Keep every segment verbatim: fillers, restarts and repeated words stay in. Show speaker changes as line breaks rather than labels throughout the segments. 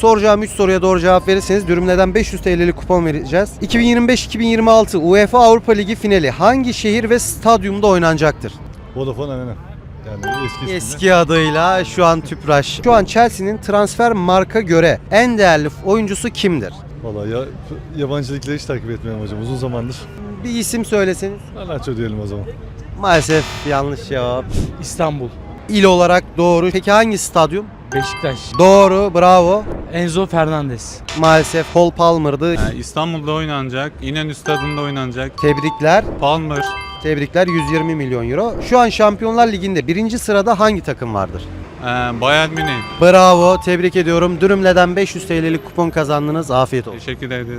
Soracağım üç soruya doğru cevap verirseniz Dürümle'den beş yüz T L'lik kupon vereceğiz. iki bin yirmi beş iki bin yirmi altı UEFA Avrupa Ligi finali hangi şehir ve stadyumda oynanacaktır?
Vodafone Arena. Yani eski isminde.
Eski adıyla şu an Tüpraş. Şu an Chelsea'nin transfer marka göre en değerli oyuncusu kimdir?
Valla ya, yabancı ligleri hiç takip etmiyorum hocam uzun zamandır.
Bir isim söyleseniz.
Garnacho diyelim o zaman.
Maalesef yanlış cevap.
İstanbul,
İl olarak doğru. Peki hangi stadyum?
Beşiktaş,
Doğru, bravo.
Enzo Fernandez.
Maalesef Cole Palmer'dı.
Yani İstanbul'da oynanacak, İnönü Stadı'nda oynanacak.
Tebrikler.
Palmer,
Tebrikler yüz yirmi milyon euro. Şu an Şampiyonlar Ligi'nde birinci sırada hangi takım vardır?
e, Bayern Münih.
Bravo, tebrik ediyorum. Dürümle'den beş yüz T L'lik kupon kazandınız. Afiyet olsun.
Teşekkür ederim.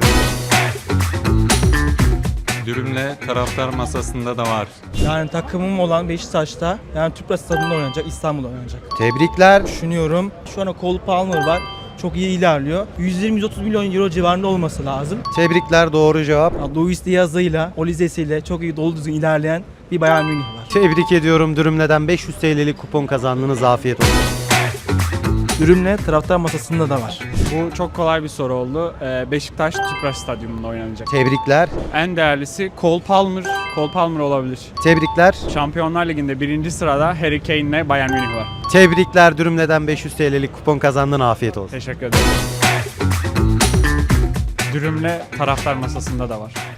Dürümle taraftar masasında da var.
Yani takımım olan Beşiktaş'ta, yani Tüpraş Stadı'nda oynanacak, İstanbul'da oynanacak.
Tebrikler.
Düşünüyorum. Şu an Cole Palmer var. Çok iyi ilerliyor. yüz yirmi yüz otuz milyon euro civarında olması lazım.
Tebrikler, doğru cevap.
Luis Diaz'ıyla, Olize'siyle çok iyi dolu düzgün ilerleyen bir Bayern Münih var.
Tebrik ediyorum. Dürümle'den beş yüz T L'lik kupon kazandınız. Afiyet olsun.
Ürünle taraftar masasında da var.
Bu çok kolay bir soru oldu. Ee, Beşiktaş Tüpraş Stadyumunda oynanacak.
Tebrikler.
En değerlisi Cole Palmer. Cole Palmer olabilir.
Tebrikler.
Şampiyonlar Ligi'nde birinci sırada Harry Kane ile Bayern Münih var.
Tebrikler. Dürümle'den beş yüz T L'lik kupon kazandın. Afiyet olsun.
Teşekkür ederim. Dürümle taraftar masasında da var.